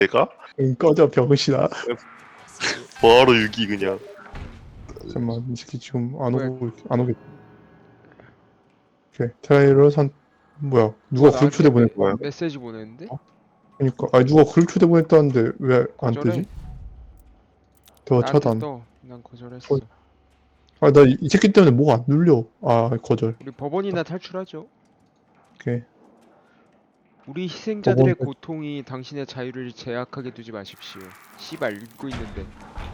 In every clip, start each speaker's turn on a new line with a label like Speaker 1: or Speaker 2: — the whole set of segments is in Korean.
Speaker 1: 내가?
Speaker 2: 꺼져 병신아.
Speaker 1: 바로 유기 그냥.
Speaker 2: 잠깐만 이 새끼 지금 안 오겠. 오케이 트라이로 산. 뭐야 누가 그룹 초대 보냈다.
Speaker 1: 거야?
Speaker 3: 메시지 보냈는데?
Speaker 2: 그러니까 아니 누가 그룹 초대 보냈다는데 왜 안
Speaker 3: 거절해?
Speaker 2: 뜨지? 대화
Speaker 3: 나한테
Speaker 2: 차단.
Speaker 3: 떠. 난 거절했어.
Speaker 2: 아 나 이 새끼 때문에 뭐가 안 눌려. 아 거절.
Speaker 3: 우리 법원이나 탈출하죠.
Speaker 2: 오케이.
Speaker 3: 우리 희생자들의
Speaker 2: 법원
Speaker 3: 고통이 당신의 자유를 제약하게 두지 마십시오. 씨발 읽고 있는데.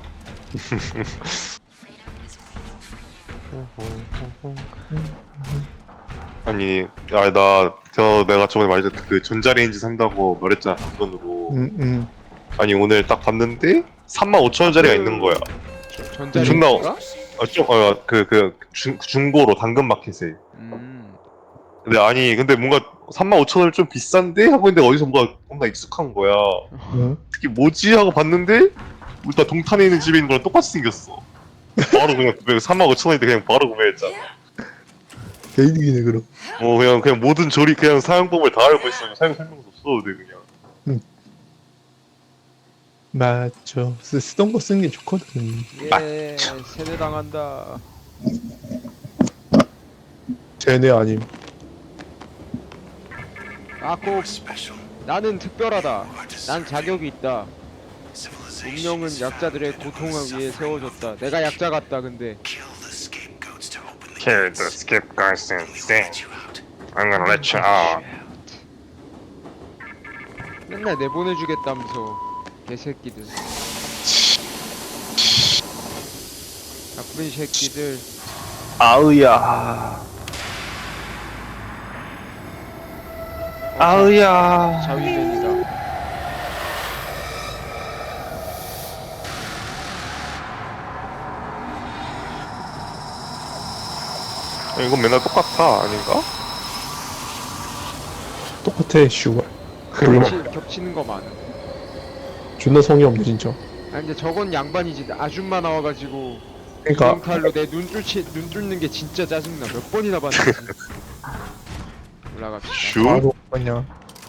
Speaker 1: 아니, 내가 저번에 말했던 그 전자레인지 산다고 말했잖아, 단돈으로. 아니, 오늘 딱 봤는데 35,000원짜리가 있는 거야.
Speaker 3: 전자레인지가?
Speaker 1: 중고로 당근마켓에. 근데 뭔가 35,000원 좀 비싼데? 하고 있는데 어디서 뭔가 익숙한 거야. 특히 뭐지? 하고 봤는데 우리 다 동탄에 있는 집에 있는 거랑 똑같이 생겼어. 바로 그냥 35,000원인데 그냥 바로 구매했잖아.
Speaker 2: 개이득이네 그럼.
Speaker 1: 그냥 모든 조리 그냥 사용법을 다 알고 있으면 사용 설명서 써도 돼 그냥.
Speaker 2: 맞죠. 쓰던 거 쓰는 게 좋거든.
Speaker 3: 예, 세뇌당한다.
Speaker 2: 쟤네 아님.
Speaker 3: 꼭 나는 특별하다. 난 자격이 있다. 운명은 약자들의 고통을 위해 세워졌다. 내가 약자 같다. 근데
Speaker 1: Kill the scapegoats and then I'm gonna let you out.
Speaker 3: 맨날 내보내주겠다면서 개새끼들. 나쁜 새끼들.
Speaker 1: 아우야. 아우야.
Speaker 3: 자위맨이다.
Speaker 1: 이건 맨날 똑같아 아닌가?
Speaker 2: 똑같아 슈발.
Speaker 3: 겹치는 거 많아.
Speaker 2: 존나 성의 없네 진짜.
Speaker 3: 아 근데 저건 양반이지. 아줌마 나와가지고
Speaker 2: 그러니까
Speaker 3: 칼로 내 눈 뚫는 게 진짜 짜증나. 몇 번이나 봤는지. 올라갑시다.
Speaker 1: 슈?
Speaker 2: 바로 그냥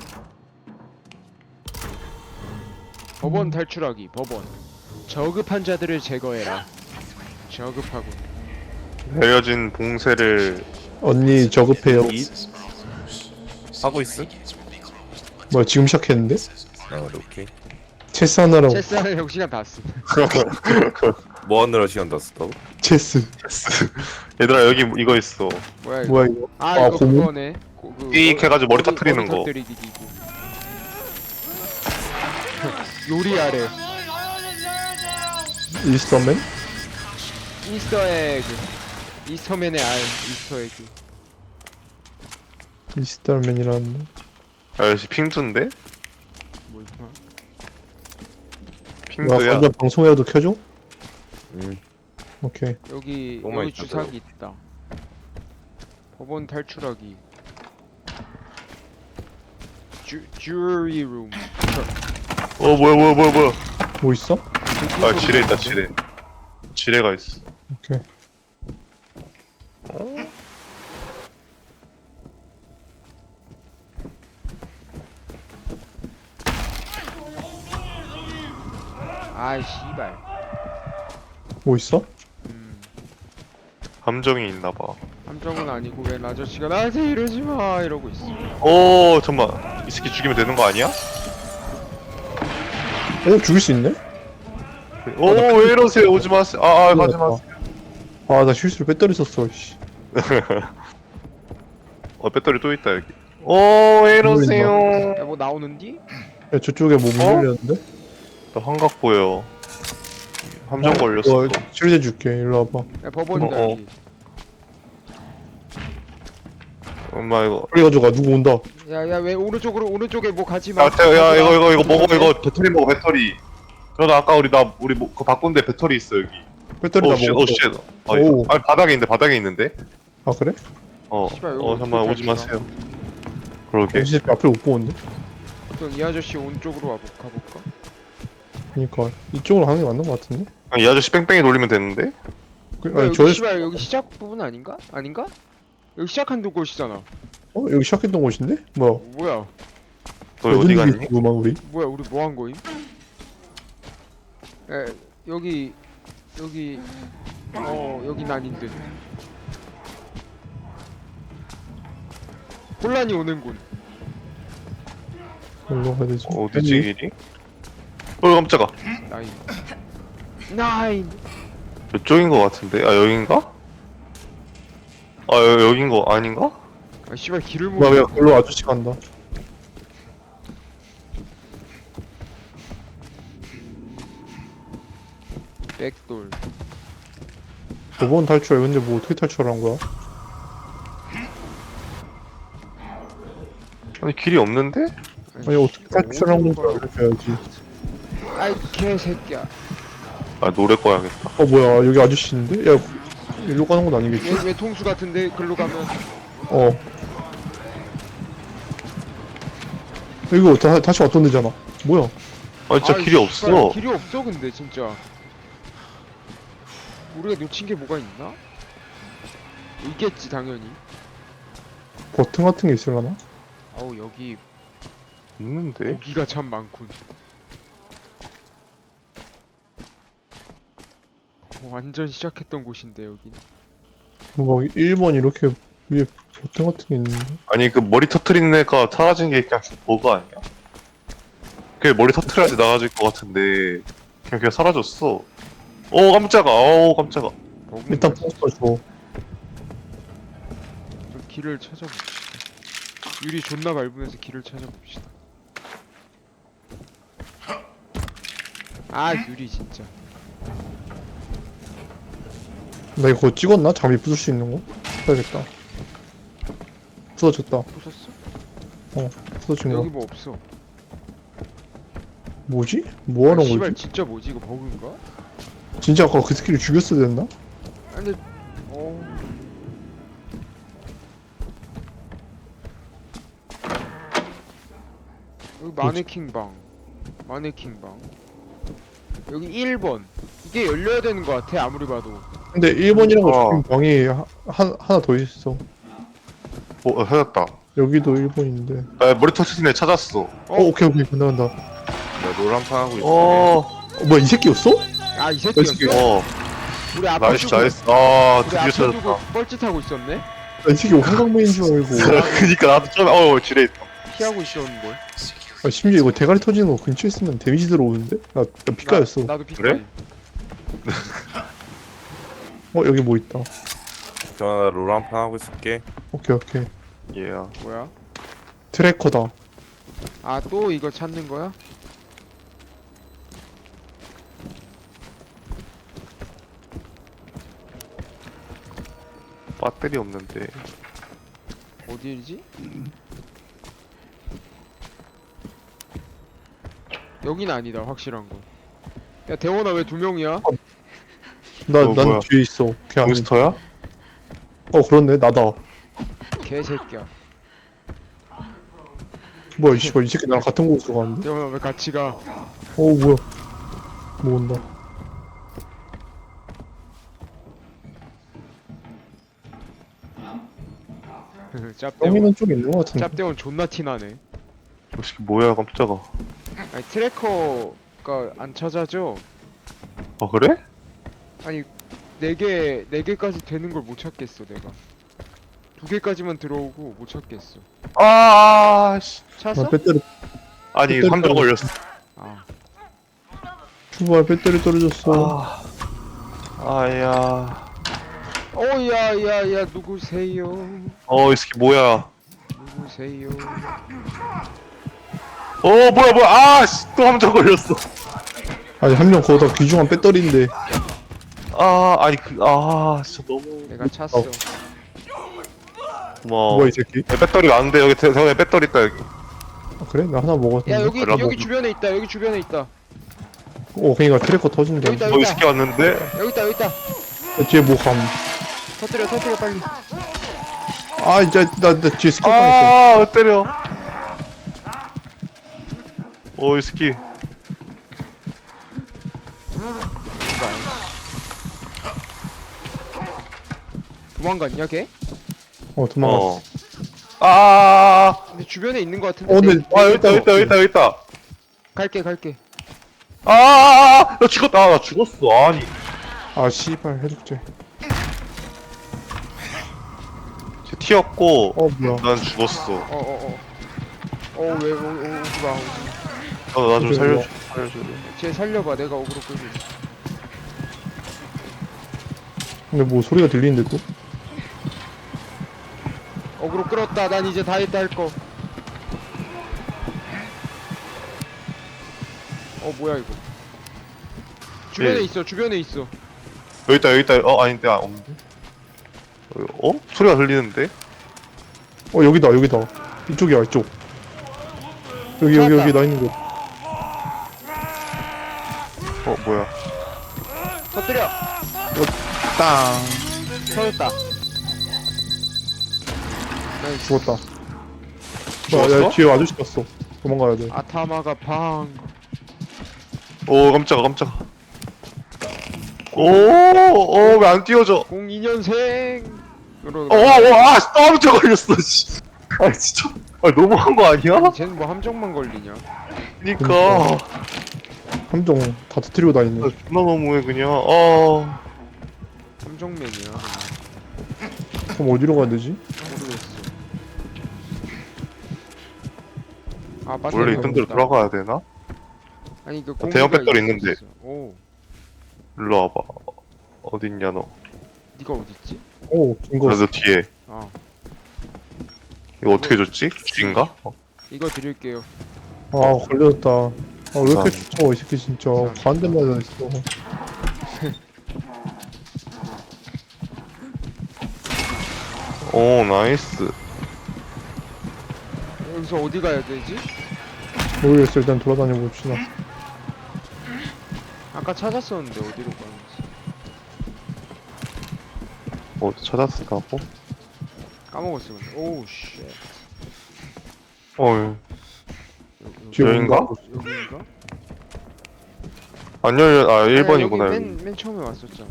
Speaker 3: 법원 탈출하기. 법원. 저급한 자들을 제거해라. 저급하고.
Speaker 1: 헤어진 봉쇄를
Speaker 2: 언니 저급해요.
Speaker 4: 하고 있어?
Speaker 2: 뭐야 지금 시작했는데?
Speaker 4: 오케이.
Speaker 2: 체스 하나라고.
Speaker 3: 체스하는 형 시간 다 쓴.
Speaker 4: 뭐 하느라 시간 다 썼다고?
Speaker 2: 체스.
Speaker 1: 얘들아 여기 이거 있어.
Speaker 3: 뭐야 이거?
Speaker 2: 뭐야 이거?
Speaker 3: 아
Speaker 2: 아,
Speaker 3: 이거
Speaker 2: 고무?
Speaker 3: 그거네.
Speaker 1: 삑 해가지고 머리 터뜨리는 거.
Speaker 3: 터뜨리기기고. 요리하래.
Speaker 2: 이스터맨?
Speaker 3: 이스터에그. 이스터맨의 알. 이스터에그.
Speaker 2: 이스터맨이라는.
Speaker 1: 아저씨 핑두인데?
Speaker 3: 뭐 있나?
Speaker 2: 와
Speaker 1: 핑두야.
Speaker 2: 완전 방송이라도 켜줘?
Speaker 4: 응.
Speaker 2: 오케이.
Speaker 3: 여기
Speaker 4: 너무
Speaker 3: 여기
Speaker 4: 있다,
Speaker 3: 주사기 있다. 법원 탈출하기. 주리 룸.
Speaker 1: 뭐야.
Speaker 2: 뭐 있어?
Speaker 1: 아 지뢰 있다 지뢰. 지뢰가 있어.
Speaker 2: 오케이.
Speaker 3: 아이 씨발.
Speaker 2: 뭐 있어?
Speaker 1: 감정이 있나봐.
Speaker 3: 함정은 아니고 왜 아저씨가 나한테 이러지 마 이러고 있어.
Speaker 1: 오 잠만 이 새끼 죽이면 되는 거 아니야?
Speaker 2: 죽일 수 있네?
Speaker 1: 오 왜 이러세요 오지 마세요. 가지 마세요.
Speaker 2: 아 나 실수로 배터리 썼어. 씨.
Speaker 1: 배터리 또 있다 여기. 오 왜 이러세요.
Speaker 3: 야 뭐 나오는디?
Speaker 2: 야, 저쪽에 뭐 문 열렸는데?
Speaker 1: 나 환각 보여. 함정 걸렸어.
Speaker 2: 이거 치료제 줄게. 일로 와봐.
Speaker 3: 야 법원이다
Speaker 1: 어.
Speaker 3: 여기.
Speaker 1: 엄마 이거.
Speaker 2: 빨리 가져가. 누구 온다.
Speaker 3: 야야 왜 오른쪽에 뭐 가지 마.
Speaker 1: 야 이거 먹어 이거 배터리 먹어 배터리. 그러다 아까 우리 그거 바꾼데 배터리 있어 여기.
Speaker 2: 배터리 다 먹었어. 오.
Speaker 1: 아니 바닥에 있는데.
Speaker 2: 아 그래?
Speaker 3: 씨발, 이거
Speaker 1: 잠깐만
Speaker 3: 어떻게
Speaker 1: 오지
Speaker 3: 탈출이야?
Speaker 1: 마세요. 그러게.
Speaker 2: 이 새끼 앞을 못 보는데?
Speaker 3: 그럼 이 아저씨 온 쪽으로 가볼까?
Speaker 2: 그니까 이쪽으로 가는 게 맞는 것 같은데?
Speaker 1: 이 아저씨 뺑뺑이 돌리면 되는데.
Speaker 2: 아니
Speaker 3: 여기
Speaker 2: 저
Speaker 3: 씨발 여기 시작 부분 아닌가? 아닌가? 여기 시작한 곳이잖아.
Speaker 2: 여기 시작했던 곳인데? 뭐야?
Speaker 3: 뭐야?
Speaker 1: 너 어디 갔니?
Speaker 2: 구만 우리?
Speaker 3: 뭐야 우리 뭐 한 거임? 여기 여긴 아닌데. 혼란이 오는군.
Speaker 2: 어디로 가야 되지?
Speaker 1: 어디지 길이? 깜짝아.
Speaker 3: 나인.
Speaker 1: 이쪽인 거 같은데? 아 여긴가? 아 여긴 거 아닌가?
Speaker 3: 아 씨발 길을 못.
Speaker 2: 뭐야 글로 아저씨 간다.
Speaker 3: 백돌.
Speaker 2: 저번 탈출 근데 뭐 어떻게 탈출한 거야?
Speaker 1: 아니 길이 없는데?
Speaker 2: 아니 어떻게 탈출한 건지 알려줘야지.
Speaker 3: 아이 개새끼야.
Speaker 1: 아 노래 꺼야겠다.
Speaker 2: 어 뭐야 여기 아저씨 있는데? 야 일로 가는 건 아니겠지?
Speaker 3: 얘 통수 같은데 글로 가면.
Speaker 2: 어. 이거 다시 왔던 데잖아. 뭐야?
Speaker 1: 아 진짜
Speaker 3: 아이,
Speaker 1: 길이
Speaker 3: 씨발,
Speaker 1: 없어.
Speaker 3: 길이 없어 근데 진짜. 우리가 놓친 게 뭐가 있나? 있겠지 당연히.
Speaker 2: 버튼 같은 게 있을라나?
Speaker 3: 아우 여기
Speaker 1: 있는데?
Speaker 3: 고기가 참 많군. 완전 시작했던 곳인데 여긴.
Speaker 2: 뭐 1번 이렇게 위에 버튼 같은 게 있는데?
Speaker 1: 아니 그 머리 터트리는 애가 사라진 게 그냥 버그 아니야? 그게 머리 터트려야지 나아질 것 같은데 그냥 사라졌어. 오 깜짝아. 오 깜짝아.
Speaker 2: 일단 버스 줘.
Speaker 3: 좀 길을 찾아봅시다. 유리 존나 밟으면서 길을 찾아봅시다. 아 유리 진짜.
Speaker 2: 나 이거 찍었나? 장비 부술 수 있는 거? 해야겠다. 부서졌다.
Speaker 3: 부쉈어?
Speaker 2: 부서진
Speaker 3: 여기
Speaker 2: 거.
Speaker 3: 뭐 없어.
Speaker 2: 뭐지? 뭐 하는
Speaker 3: 씨발
Speaker 2: 거지?
Speaker 3: 진짜 뭐지 이거 버그인가?
Speaker 2: 진짜 아까 그 스킬을 죽였어야 됐나?
Speaker 3: 아니 근데 여기 마네킹 방. 마네킹 방. 여기 1번. 이게 열려야 되는 거 같아 아무리 봐도.
Speaker 2: 근데 1번이라고
Speaker 1: 어.
Speaker 2: 적힌 방이 하나 더 있어.
Speaker 1: 찾았다.
Speaker 2: 여기도 1번인데.
Speaker 1: 나 머리 터트리는 애 찾았어.
Speaker 2: 오케이 간다.
Speaker 4: 나 노란판 하고 있어.
Speaker 2: 뭐야 이 새끼였어?
Speaker 3: 아 이 새끼였어? 우리 아파
Speaker 1: 나이스
Speaker 3: 주고
Speaker 1: 나이스. 아
Speaker 3: 우리
Speaker 1: 드디어
Speaker 3: 아파
Speaker 1: 찾았다.
Speaker 3: 주고 뻘짓하고 있었네?
Speaker 2: 이 새끼 한강맨인 줄 알고.
Speaker 1: 그니까 나도 처음에 지뢰 있다.
Speaker 3: 피하고 있었는걸.
Speaker 2: 아, 심지어 이거 대가리 터지는 거 근처에 있으면 데미지 들어오는데? 나 피카였어.
Speaker 3: 나도
Speaker 1: 그래?
Speaker 3: 피카임.
Speaker 2: 여기 뭐 있다.
Speaker 4: 나 노란판 하고 있을게.
Speaker 2: 오케이.
Speaker 1: 예.
Speaker 3: 뭐야?
Speaker 2: 트래커다.
Speaker 3: 아 또 이거 찾는 거야?
Speaker 1: 배터리 없는데.
Speaker 3: 어디지? 여긴 아니다 확실한 거. 야 대원아 왜 2명이야?
Speaker 2: 난
Speaker 1: 뭐야?
Speaker 2: 뒤에 있어. 걔 아니.
Speaker 1: 몬스터야?
Speaker 2: 그렇네 나다.
Speaker 3: 개새끼야.
Speaker 2: 뭐야 이 씨발 이 새끼 나랑 같은 곳으로 가는데?
Speaker 3: 대원아 왜 같이 가?
Speaker 2: 뭐야? 뭐 온다.
Speaker 3: 짭대원.
Speaker 2: 떠미는 쪽 있는 거 같은데.
Speaker 3: 짭대원 존나 티나네.
Speaker 1: 저 새끼 뭐야 깜짝아.
Speaker 3: 아니 트래커가 안 찾아져.
Speaker 1: 아 그래?
Speaker 3: 아니 4개까지 되는 걸 못 찾겠어 내가. 2개까지만 들어오고 못 찾겠어.
Speaker 1: 씨.
Speaker 3: 찾았어?
Speaker 2: 나 배터리
Speaker 1: 아니
Speaker 2: 배터리
Speaker 1: 3점 걸렸어.
Speaker 3: 아
Speaker 2: 출발 배터리 떨어졌어.
Speaker 1: 아야.
Speaker 3: 야야야 누구세요?
Speaker 1: 이 새끼 뭐야?
Speaker 3: 누구세요?
Speaker 1: 뭐야? 또 3점 걸렸어.
Speaker 2: 아니 한 명 거기다 귀중한 배터리인데.
Speaker 1: 진짜 너무
Speaker 3: 내가 찾았어.
Speaker 1: 고마워.
Speaker 2: 뭐야 이 새끼?
Speaker 1: 배터리가 안 돼. 여기 대원에 배터리 있다 여기.
Speaker 2: 그래? 나 하나 먹었는데.
Speaker 3: 야 여기
Speaker 1: 연락
Speaker 3: 여기
Speaker 1: 먹-
Speaker 3: 주변에 있다. 여기 주변에 있다.
Speaker 2: 그니까 트래커 터진다.
Speaker 3: 여기 있다.
Speaker 1: 이 새끼 왔는데.
Speaker 3: 여기 있다.
Speaker 2: 뒤에 뭐 감.
Speaker 3: 터뜨려 빨리.
Speaker 2: 이제 나 뒤에 스킬 당했어.
Speaker 1: 왜 때려? 이 새끼.
Speaker 3: 도망갔냐 걔?
Speaker 2: 도망갔어.
Speaker 3: 근데 주변에 있는 거 같은데.
Speaker 2: 근데
Speaker 1: 아 여기 있다 여기 있다 여기 있다 여기 있다.
Speaker 3: 갈게.
Speaker 1: 나 죽었다. 나 죽었어. 아니.
Speaker 2: 아 씨발 해독제.
Speaker 1: 쟤 튀었고
Speaker 2: 뭐야.
Speaker 1: 난 죽었어.
Speaker 3: 왜 오지 마.
Speaker 1: 나 좀 살려줘.
Speaker 3: 쟤 살려봐. 내가 어그로 끌고 있어.
Speaker 2: 근데 뭐 소리가 들리는데 또?
Speaker 3: 어그로 끌었다. 난 이제 다 했다 할 거. 뭐야 이거. 주변에
Speaker 1: 예.
Speaker 3: 있어. 주변에 있어.
Speaker 1: 여기 있다 여기 있다. 아닌데 없는데. 소리가 들리는데?
Speaker 2: 여기다. 이쪽이야 이쪽. 여기
Speaker 3: 찾았다.
Speaker 2: 나 있는 곳.
Speaker 1: 뭐야?
Speaker 3: 터뜨려.
Speaker 2: 땅.
Speaker 3: 터졌다. 나이스.
Speaker 2: 죽었다.
Speaker 1: 죽었어?
Speaker 2: 야 뒤에 아저씨 봤어. 도망가야 돼.
Speaker 3: 아타마가 방.
Speaker 1: 오 깜짝아. 왜 안 띄워져?
Speaker 3: 02년생으로.
Speaker 1: 깜짝 걸렸어. 씨. 진짜. 너무한 거 아니야?
Speaker 3: 쟤는 뭐 함정만 걸리냐?
Speaker 1: 그니까.
Speaker 2: 함정 다 터뜨리고 다니네.
Speaker 1: 존나 너무해 그냥.
Speaker 3: 함정맨이야.
Speaker 2: 그럼 어디로 가야 되지?
Speaker 3: 모르겠어.
Speaker 1: 원래 있던 데로 돌아가야 되나?
Speaker 3: 아니 그
Speaker 1: 대형
Speaker 3: 공기가
Speaker 1: 배터리 있는데.
Speaker 3: 있었어. 오,
Speaker 1: 일로 와봐. 어딨냐 너?
Speaker 3: 네가 어디 있지?
Speaker 2: 긴 거.
Speaker 1: 그래서 뒤에. 이거 어떻게 줬지? G인가?
Speaker 3: 이거 드릴게요.
Speaker 2: 걸렸다. 왜 이렇게
Speaker 1: 감사합니다.
Speaker 2: 쫓아와 이 새끼 진짜. 반대 맞아있어.
Speaker 1: 오 나이스.
Speaker 3: 여기서 어디 가야 되지?
Speaker 2: 모르겠어. 일단 돌아다녀 봅시다.
Speaker 3: 아까 찾았었는데 어디로 가는지
Speaker 1: 찾았을까고?
Speaker 3: 까먹었어. 근데 오우 쉣.
Speaker 2: 뒤에
Speaker 1: 여긴가?
Speaker 2: 뭔가?
Speaker 3: 여기인가?
Speaker 1: 안 열려. 1번이구나.
Speaker 3: 여기 맨 처음에 왔었잖아.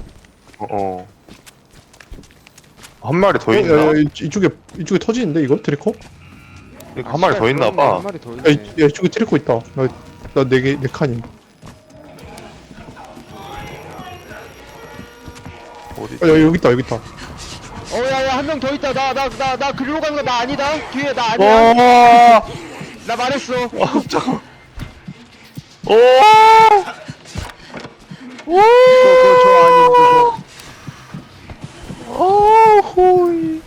Speaker 1: 한 마리 더
Speaker 2: 야,
Speaker 1: 있나?
Speaker 2: 이쪽에 터지는데 이거 트래커?
Speaker 1: 이거 한 마리 더 있나
Speaker 3: 한
Speaker 1: 봐.
Speaker 3: 마리 더
Speaker 2: 야,
Speaker 3: 있네.
Speaker 2: 이쪽에 트래커 있다. 나 4칸임.
Speaker 1: 어디?
Speaker 2: 여기 있다.
Speaker 3: 야야 한 명 더 있다. 나 글로 가는 거 나 아니다. 뒤에 나 아니야. 나 말했어.
Speaker 1: 잠깐.
Speaker 3: 그거 저 아닌 그거.
Speaker 1: 호이.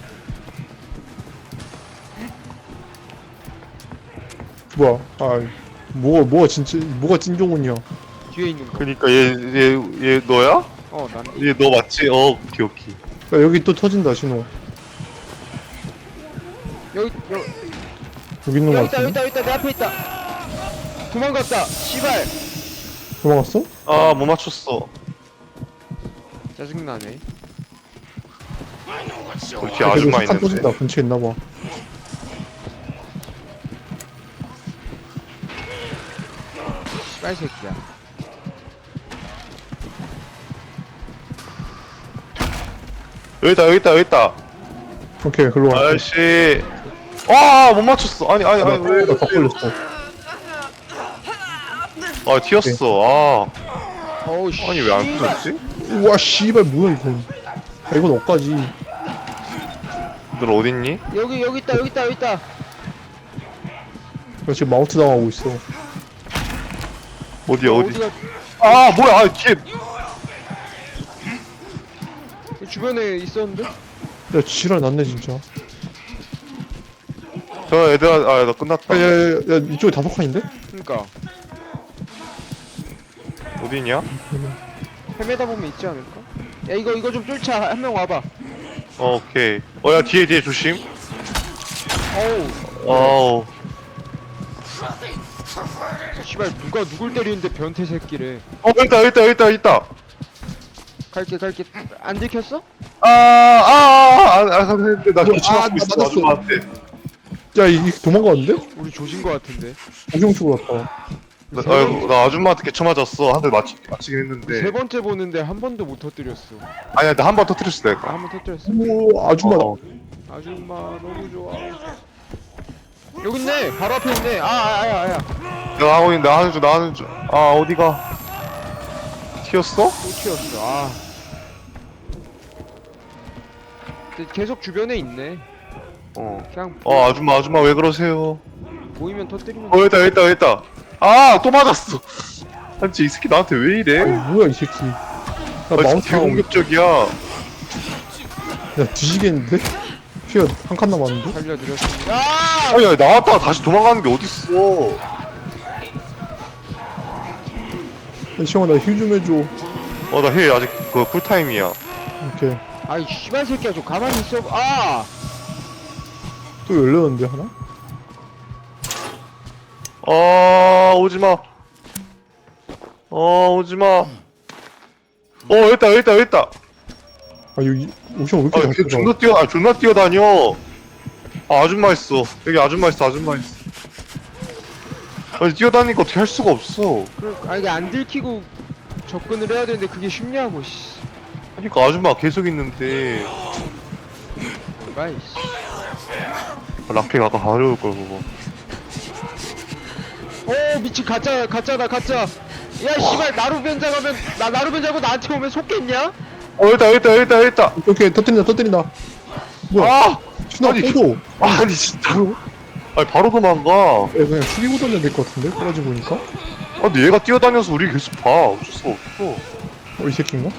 Speaker 2: 뭐야? 뭐가 찐종훈이야?
Speaker 3: 뒤에 있는 거.
Speaker 1: 그니까 얘 너야?
Speaker 3: 난
Speaker 1: 얘 너 맞지? 오케이.
Speaker 2: 야, 여기 또 터진다 신호.
Speaker 3: 여기
Speaker 2: 있는 거
Speaker 3: 여기 있다.
Speaker 2: 같은데?
Speaker 3: 내 앞에 있다. 도망갔다. 씨발.
Speaker 2: 도망갔어?
Speaker 1: 못 맞췄어.
Speaker 3: 짜증나네.
Speaker 1: 이렇게 아줌마
Speaker 2: 칸
Speaker 1: 있는데.
Speaker 2: 터진다. 근처에 있나봐.
Speaker 3: 씨발 새끼야.
Speaker 1: 여기 있다.
Speaker 2: 오케이, 글로 가.
Speaker 1: 아저씨. 못 맞췄어. 아니 왜?
Speaker 2: 더 걸렸어.
Speaker 1: 튀었어.
Speaker 3: 어우 씨.
Speaker 1: 아니 왜 안 튀었지?
Speaker 2: 우와, 씨발, 뭐야, 이건. 이건 어까지.
Speaker 1: 너 어딨니?
Speaker 3: 여기 있다.
Speaker 2: 나 지금 마운트 당하고 있어.
Speaker 1: 어디?
Speaker 3: 어디가
Speaker 1: 뭐야? 뒤에.
Speaker 3: 주변에 있었는데?
Speaker 2: 야, 지랄 났네, 진짜.
Speaker 1: 저 얘들아, 나 끝났다.
Speaker 2: 야, 이쪽에 5칸인데?
Speaker 3: 그니까
Speaker 1: 어디냐?
Speaker 3: 헤매다 보면 있지 않을까? 야 이거 좀 쫓아. 한 명 와봐.
Speaker 1: 오케이. 야 뒤에 조심.
Speaker 3: 어우
Speaker 1: 어우.
Speaker 3: 씨발 누가 누굴 때리는데 변태 새끼래.
Speaker 1: 여기 있다.
Speaker 3: 갈게 안 들켰어?
Speaker 1: 근데 나 기침하고 있어.
Speaker 2: 맞았어.
Speaker 1: 아줌마한테.
Speaker 2: 야, 이게 도망가는데?
Speaker 3: 우리 조진 거 같은데.
Speaker 2: 공룡 쪽으로 왔다.
Speaker 1: 나 아줌마한테 개쳐 맞았어. 한 대 맞히긴 했는데.
Speaker 3: 세 번째 보는데 한 번도 못 터뜨렸어.
Speaker 1: 아니야, 나 한 번 터뜨렸어 내가.
Speaker 3: 한 번 터뜨렸어.
Speaker 2: 오, 아줌마.
Speaker 1: 어.
Speaker 3: 아줌마 너무 좋아. 여기 있네. 바로 앞에 있네. 아야.
Speaker 1: 내가 하고 있는데 나가는 중. 아 어디가? 튀었어?
Speaker 3: 또 튀었어. 아. 근데 계속 주변에 있네. 그냥
Speaker 1: 아줌마 왜 그러세요?
Speaker 3: 보이면 터뜨리면.
Speaker 1: 여기 있다. 아 또 맞았어. 아니 이 새끼 나한테 왜
Speaker 2: 아니
Speaker 1: 이래?
Speaker 2: 뭐야 이 새끼. 나
Speaker 1: 아 진짜
Speaker 2: 마운트 하고
Speaker 1: 대공격적이야.
Speaker 2: 야 뒤지겠는데? 피가 한 칸 남았는데?
Speaker 3: 살려드렸습니다. 아!
Speaker 1: 아니 나왔다가 다시 도망가는 게 어딨어?
Speaker 2: 야, 시영아 나 힐 좀 해줘.
Speaker 1: 나 힐 아직 그 쿨타임이야.
Speaker 2: 이렇게
Speaker 3: 아이 씨발 새끼야 좀 가만히 있어. 아!
Speaker 2: 또 열렸는데 하나?
Speaker 1: 오지마. 오지마. 여기 있다.
Speaker 2: 아 여기 옥션 왜 이렇게 잘
Speaker 1: 걔
Speaker 2: 들어가?
Speaker 1: 존나 뛰어다녀. 아줌마 있어. 여기 아줌마 있어. 아니, 뛰어다니니까 어떻게 할 수가 없어.
Speaker 3: 이게 안 들키고 접근을 해야 되는데 그게 쉽냐고 씨.
Speaker 1: 그러니까 아줌마 계속 있는데.
Speaker 3: 뭔가 이씨.
Speaker 1: 락핑 아까 가려울 걸, 그거.
Speaker 3: 미친 가짜다. 야 씨발 나루변장하면 나루변장하고 나한테 오면 속겠냐?
Speaker 1: 여기 있다.
Speaker 2: 오케이 터뜨린다. 뭐야?
Speaker 1: 아!
Speaker 2: 신호
Speaker 1: 아니,
Speaker 2: 꺼도.
Speaker 1: 아니, 진짜. 아니, 바로 도망가.
Speaker 2: 그냥 숙이고 던져야 될 것 같은데? 떨어지 보니까?
Speaker 1: 근데 얘가 뛰어다녀서 우리 계속 봐. 어쩔 수가 없어.
Speaker 2: 이 새끼인가?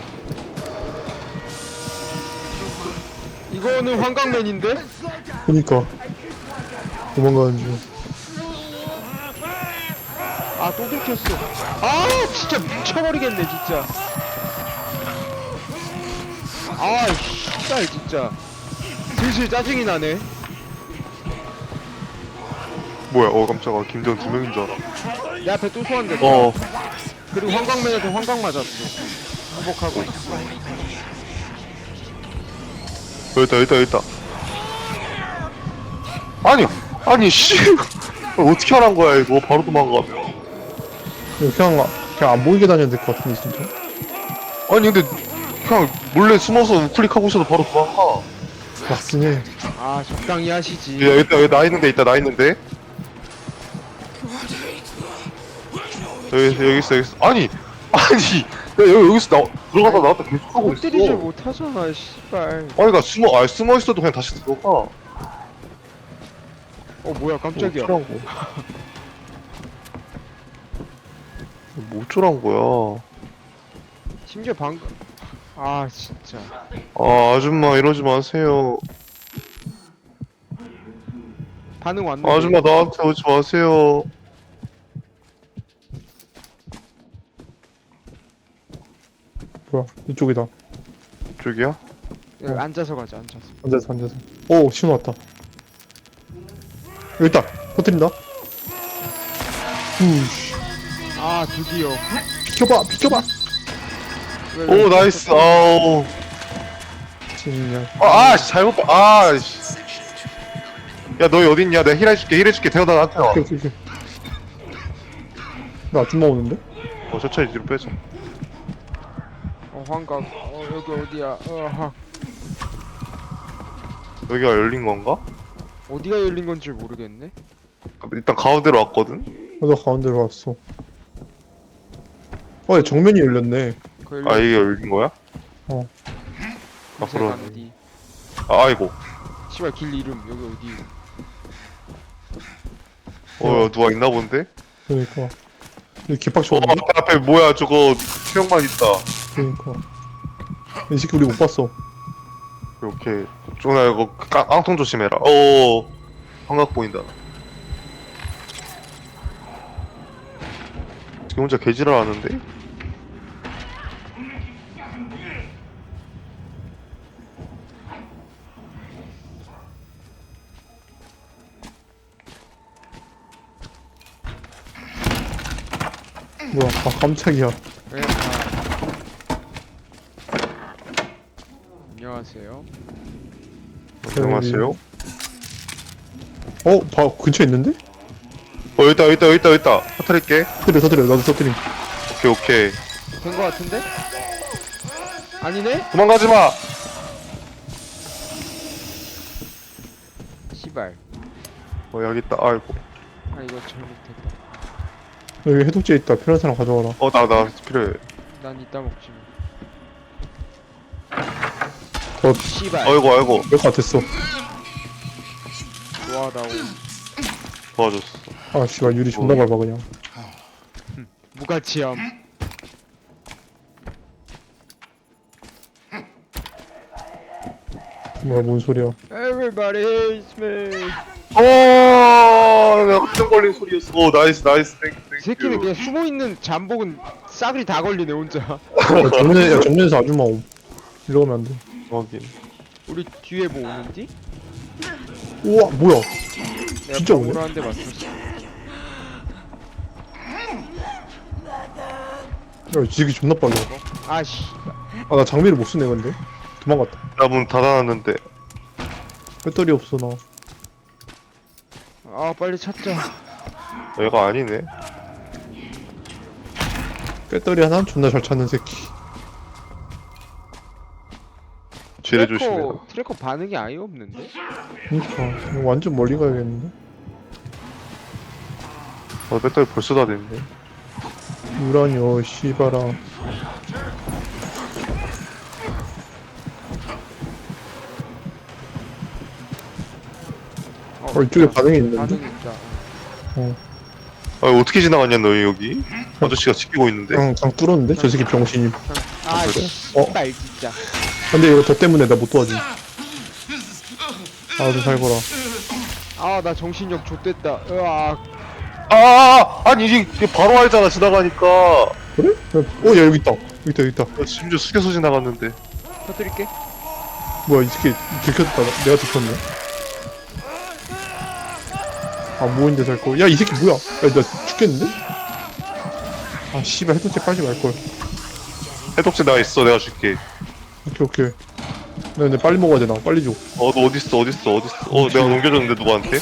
Speaker 3: 이거는 환각맨인데?
Speaker 2: 그니까 도망가는 중.
Speaker 3: 또 들켰어. 진짜 미쳐버리겠네 진짜. 씨발 진짜. 슬슬 짜증이 나네.
Speaker 1: 뭐야, 깜짝아. 김재원 2명인 줄 알아.
Speaker 3: 내 앞에 또 소환됐다. 그리고 환각맨한테 환각 맞았어. 회복하고 있어.
Speaker 1: 여기 있다. 아니, 씨. 어떻게 하란 거야, 이거. 바로 도망가면.
Speaker 2: 그냥 안 보이게 다녀야 될 것 같은데 진짜.
Speaker 1: 아니, 근데, 그냥 몰래 숨어서 우클릭하고 있어도 바로 도망가.
Speaker 2: 맞긴 해.
Speaker 3: 적당히 하시지.
Speaker 1: 야, 여기 나 있는데. 여기 있어. 아니, 여기서 들어가다 나왔다 계속 하고 있어.
Speaker 3: 때리질 못하잖아 씨발.
Speaker 1: 아니, 그니까 숨어 있어도 그냥 다시 들어가.
Speaker 3: 뭐야 깜짝이야.
Speaker 1: 뭐 어쩌란 거야.
Speaker 3: 심지어 방금 진짜.
Speaker 1: 아줌마 이러지 마세요.
Speaker 3: 반응 왔는데.
Speaker 1: 아줌마 나한테 오지 마세요.
Speaker 2: 뭐야 이쪽이다.
Speaker 1: 저기야?
Speaker 3: 여기 앉아서 가자.
Speaker 2: 앉아서. 오 신호 왔다. 여기 있다. 터뜨린다. 우씨.
Speaker 3: 드디어.
Speaker 2: 비켜봐.
Speaker 3: 왜,
Speaker 1: 오 나이스. 아우.
Speaker 2: 진짜.
Speaker 1: 잘못 봐. 야 너희 어딨냐? 내가 힐해줄게. 태어나 나한테 와.
Speaker 2: 오케이. 나 아줌마 오는데?
Speaker 1: 천천히 뒤로 빼자.
Speaker 3: 환각. 여기 어디야?
Speaker 1: 여기가 열린 건가?
Speaker 3: 어디가 열린 건지 모르겠네.
Speaker 1: 일단 가운데로 왔거든.
Speaker 2: 나 가운데로 왔어. 얘 정면이 열렸네.
Speaker 1: 이게 열린 거야?
Speaker 3: 그새
Speaker 1: 그러네.
Speaker 3: 가는 뒤.
Speaker 1: 아이고.
Speaker 3: 씨발 길 이름 여기 어디?
Speaker 1: 누가 있나 본데?
Speaker 2: 그러니까. 이 개빡쳐.
Speaker 1: 앞에 뭐야 저거 수영만 있다.
Speaker 2: 그러니까. 이 새끼 우리 못 봤어.
Speaker 1: 이렇게 쪼나 이거 깡통 조심해라. 환각 보인다. 지금 혼자 개지랄 하는데?
Speaker 2: 뭐야? 깜짝이야.
Speaker 3: 네, 안녕하세요.
Speaker 1: 안녕하세요.
Speaker 2: 근처에 있는데?
Speaker 1: 여기 있다. 터뜨릴게.
Speaker 2: 터뜨려. 나도 터뜨림.
Speaker 1: 오케이.
Speaker 3: 된 거 같은데? 아니네?
Speaker 1: 도망가지 마.
Speaker 3: 씨발.
Speaker 1: 여기 있다. 아이고.
Speaker 3: 아 이거 잘못했다.
Speaker 2: 여기 해독제 있다. 필요한 사람 가져와라.
Speaker 1: 나 필요해.
Speaker 3: 난 이따 먹지
Speaker 2: 더
Speaker 3: 뭐. 씨발.
Speaker 1: 아이고.
Speaker 2: 몇 같았어.
Speaker 3: 좋아하다고.
Speaker 1: 도와줬어.
Speaker 2: 아 씨발 유리 존나 밟아 그냥.
Speaker 3: 무가치함.
Speaker 2: 뭐야 뭔 소리야.
Speaker 3: Everybody hates me.
Speaker 1: 내가 깜짝 걸린 소리였어. 오, 나이스, 땡큐.
Speaker 3: 이 새끼는 그냥 숨어 있는 잠복은 싸그리 다 걸리네 혼자.
Speaker 2: 야, 정면에서 아줌마 옴. 일로 가면 안 돼.
Speaker 1: 확인.
Speaker 3: 우리 뒤에 뭐 오는지?
Speaker 2: 우와 뭐야.
Speaker 3: 내가
Speaker 2: 진짜 오네?
Speaker 3: 방으로 한 대 맞췄어.
Speaker 2: 야 지기 존나 빨라.
Speaker 3: 아씨.
Speaker 2: 아 나 장비를 못 쓰네 근데. 도망갔다.
Speaker 1: 나 문 닫아놨는데.
Speaker 2: 배터리 없어 나.
Speaker 3: 아 빨리 찾자.
Speaker 1: 얘가 아니네.
Speaker 2: 배터리 하나 존나 잘 찾는 새끼.
Speaker 1: 지뢰 조심해.
Speaker 3: 트래커 반응이 아예 없는데?
Speaker 2: 그니까 이거 완전 멀리 가야겠는데.
Speaker 1: 배터리 벌써 다 됐네.
Speaker 2: 유라니오 씨바라. 이쪽에 반응이 있는데.
Speaker 3: 반응이 있다.
Speaker 1: 어떻게 지나갔냐, 너 여기? 아저씨가 지키고 있는데.
Speaker 2: 그냥 뚫었는데? 저 새끼 병신이.
Speaker 3: 아
Speaker 1: 그래?
Speaker 3: 씨발 진짜.
Speaker 2: 근데 이거 저 때문에 나 못 도와줌. 아좀 살거라.
Speaker 3: 아 나 정신력 좆됐다. 으악.
Speaker 1: 아니, 이게 바로 알잖아, 지나가니까.
Speaker 2: 그래? 야 여기 있다. 여기 있다.
Speaker 1: 심지어 숙여서 지나갔는데.
Speaker 3: 터뜨릴게.
Speaker 2: 뭐야 이 새끼 들켰다. 내가 들켰네. 안 보이는데 살거. 야 이 새끼 뭐야? 야 나 죽겠는데? 아 씨발 해독제 빨지 말걸.
Speaker 1: 해독제 나 있어, 내가 줄게.
Speaker 2: 오케이. 나 근데 빨리 먹어야 되나? 빨리 줘.
Speaker 1: 너 어딨어? 내가 넘겨줬는데, 누구한테?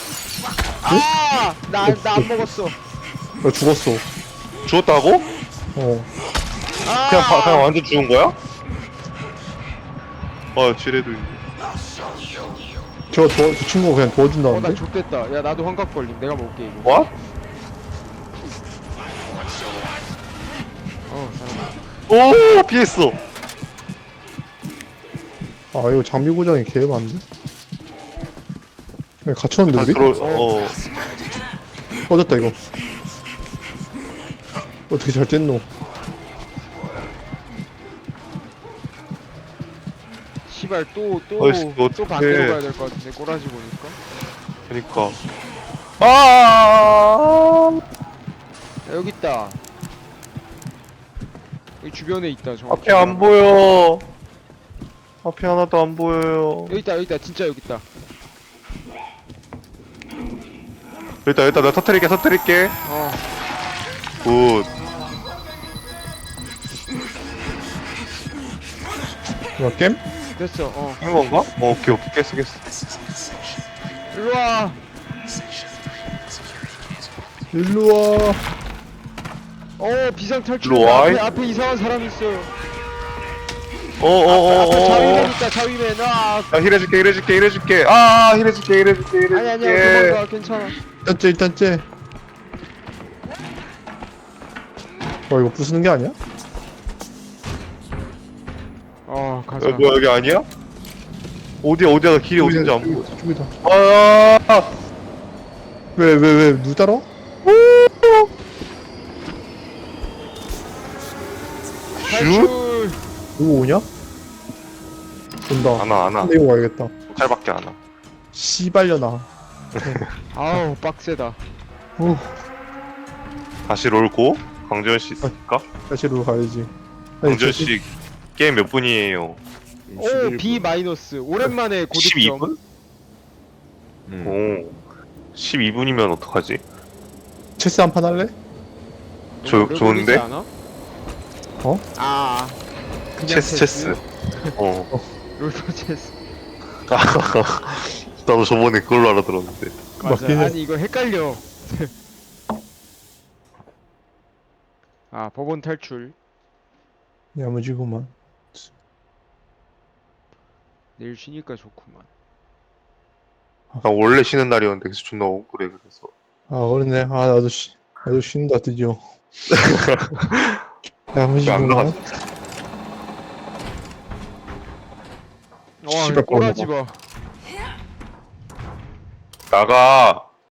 Speaker 3: 나 안 먹었어.
Speaker 2: 나 죽었어.
Speaker 1: 죽었다고?
Speaker 2: 어.
Speaker 1: 그냥 완전 죽은 거야? 지뢰도 있네.
Speaker 2: 저 친구가 그냥
Speaker 3: 나
Speaker 2: 도와준다는데?
Speaker 3: 좆됐다. 야 나도 환각 걸림. 내가 먹을게 이거.
Speaker 1: 와?
Speaker 3: 사람.
Speaker 1: 오, 피했어.
Speaker 2: 아 이거 장비 고장이 개 많은데? 그냥 갇혔는데 우리? 꺼졌다 이거. 어떻게 잘 뗐노?
Speaker 3: 씨발
Speaker 1: 어이씨, 이거
Speaker 3: 또
Speaker 1: 어떡해.
Speaker 3: 반대로 가야 될 것 같은데 꼬라지 보니까.
Speaker 1: 그니까.
Speaker 3: 야, 여기 있다. 여기 주변에 있다. 정확히.
Speaker 1: 앞에 안 보여. 앞에 하나도 안 보여요.
Speaker 3: 여기 있다. 진짜 여기 있다.
Speaker 1: 일단 내가 터뜨릴게.
Speaker 3: 어.
Speaker 1: 굿.
Speaker 2: 뭐야 겜?
Speaker 3: 됐어.
Speaker 1: 한 건가? 오케이. 깼어.
Speaker 3: 일로 와.
Speaker 2: 일로와.
Speaker 3: 비상 탈출.
Speaker 1: 일로 와, 이-
Speaker 3: 앞에 이상한 사람 있어. 앞에 자위맨 있다. 자위맨. 아.
Speaker 1: 야, 힐해줄게. 힐해줄게.
Speaker 3: 아니야. 도망가. 괜찮아.
Speaker 2: 일단 째. 이거 부수는 게 아니야?
Speaker 3: 가자.
Speaker 1: 뭐야, 여기 아니야? 어디야, 나 길이 어딘지 안 보여.
Speaker 2: 저기다.
Speaker 1: 아,
Speaker 2: 왜 누 따라?
Speaker 3: 탈출.
Speaker 2: 누구 오냐? 온다.
Speaker 1: 안 와.
Speaker 2: 근데 이거 와야겠다.
Speaker 1: 칼밖에 안 와.
Speaker 2: 씨발려나.
Speaker 3: 아우 빡세다.
Speaker 2: 오,
Speaker 1: 다시 롤고 강재현 씨 있을까?
Speaker 2: 다시로 가야지. 아니,
Speaker 1: 강재현 씨 게임 몇 분이에요?
Speaker 3: 오 B 마이너스. 오랜만에 고득점.
Speaker 1: 12분? 오, 12분이면 어떡하지?
Speaker 2: 체스 한 판 할래?
Speaker 3: 너무 오래
Speaker 1: 좋은데?
Speaker 3: 걸리지 않아?
Speaker 2: 어?
Speaker 3: 그냥
Speaker 1: 체스.
Speaker 3: 롤토 체스.
Speaker 1: 나도 저번에 그걸로 알아들었는데.
Speaker 3: 맞아.
Speaker 2: 맞긴 해.
Speaker 3: 아니 이거 헷갈려. 법원 탈출.
Speaker 2: 야무지구만.
Speaker 3: 내일 쉬니까 좋구만.
Speaker 1: 나 원래 쉬는 날이었는데 그래서 존나 억울해 그래서.
Speaker 2: 아, 그렇네. 아, 나도 쉰다, 드디어. 야, 한 번씩
Speaker 1: 안
Speaker 2: 보나?
Speaker 1: 나갔어.
Speaker 3: 와
Speaker 2: 씨발,
Speaker 3: 꼬라지 봐.
Speaker 1: 나가.